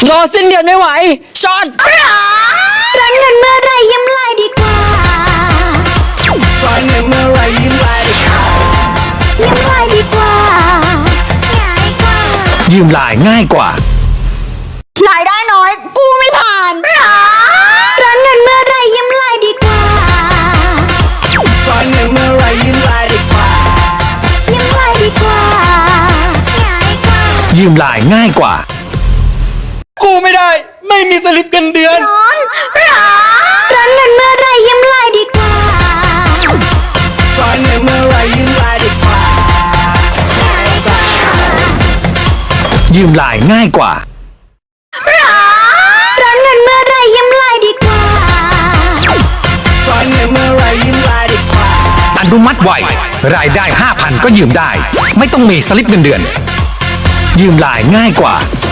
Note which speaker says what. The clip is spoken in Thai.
Speaker 1: รอสิ้นเดือนไม่ไหวช็อต
Speaker 2: ร้อนเงินเมื่อไรยิ้มไลายดีกว่า
Speaker 3: ร้อนเงินเมื่อไรยิ้มไลายดีกว่า
Speaker 2: ยิ้มไลายดีกว่าง่ายกว่า
Speaker 4: ยืมไลน์ง่ายกว่าร
Speaker 1: ายได้น้อยกู้ไม่ผ่าน
Speaker 2: ร้อนเงินเมื่อไรยิ้มไลายดีกว่า
Speaker 3: ร้อนเงินเมื่อไรยิ้มไลายดีกว่า
Speaker 2: ยิ้มไลายดีกว่าง่ายกว่า
Speaker 4: ยืมไลน์ง่ายกว่า
Speaker 1: กู้ไม่ได้ไม่มีสลิปเงินเดือน
Speaker 2: ร้อนเงินเมื่อไรยิ้มไลายดีกว่า
Speaker 3: ร้อนเงินเมื่อไรยิ้มไลายดีกว่า
Speaker 4: ยืมไลน์ง่ายกว่า
Speaker 2: ร้อนเงินเมื่อไรยิ้มไลายดีกว่า
Speaker 3: ร้อนเงินเมื่อไรยิ้มไลายดีกว่า
Speaker 4: อนุมัติไวรายได้ 5,000 ก็ยืมได้ไม่ต้องมีสลิปเงินเดือนยืมไลน์ง่ายกว่า